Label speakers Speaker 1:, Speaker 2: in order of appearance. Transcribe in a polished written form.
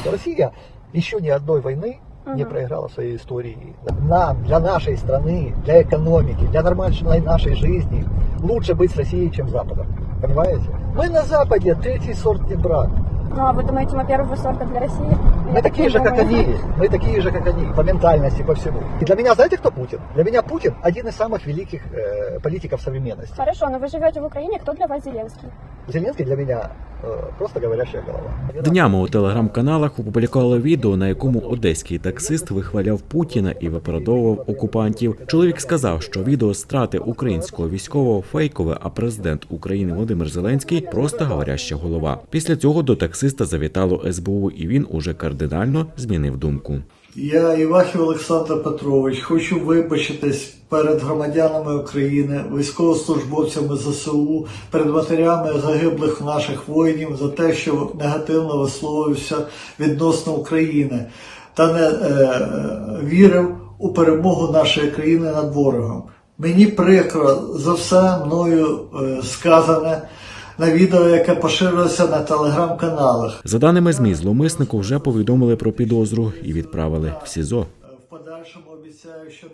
Speaker 1: Россия еще ни одной войны не проиграла в своей истории. Нам, для нашей страны, для экономики, для нормальной нашей жизни лучше быть с Россией, чем с Западом. Понимаете? Мы на Западе третий сорт не брат.
Speaker 2: Ну, а вы думаете, мы первого сорта для России?
Speaker 1: Мы такие же, как они. Мы такие же, как они. По ментальности, по всему. И для меня, знаете, кто Путин? Для меня Путин один из самых великих политиков современности.
Speaker 2: Хорошо, но вы живете в Украине, кто для вас Зеленский?
Speaker 1: Зеленский для меня просто говорящая голова.
Speaker 3: Днями у телеграм-каналах опублікували відео, на якому одеський таксист вихваляв Путіна і виправдовував окупантів. Чоловік сказав, що відео страти українського військового фейкове, а президент України Володимир Зеленський просто говоряща голова. Після цього до таксиста завітало СБУ, і він уже кардинально змінив думку.
Speaker 4: Я, Івахів Олександр Петрович, хочу вибачитись перед громадянами України, військовослужбовцями ЗСУ, перед матерями загиблих наших воїнів за те, що негативно висловився відносно України та не вірив у перемогу нашої країни над ворогом. Мені прикро за все мною сказане на відео, яке поширилося на телеграм-каналах.
Speaker 3: За даними ЗМІ, зловмиснику вже повідомили про підозру і відправили в СІЗО.
Speaker 4: В подальшому обіцяю, що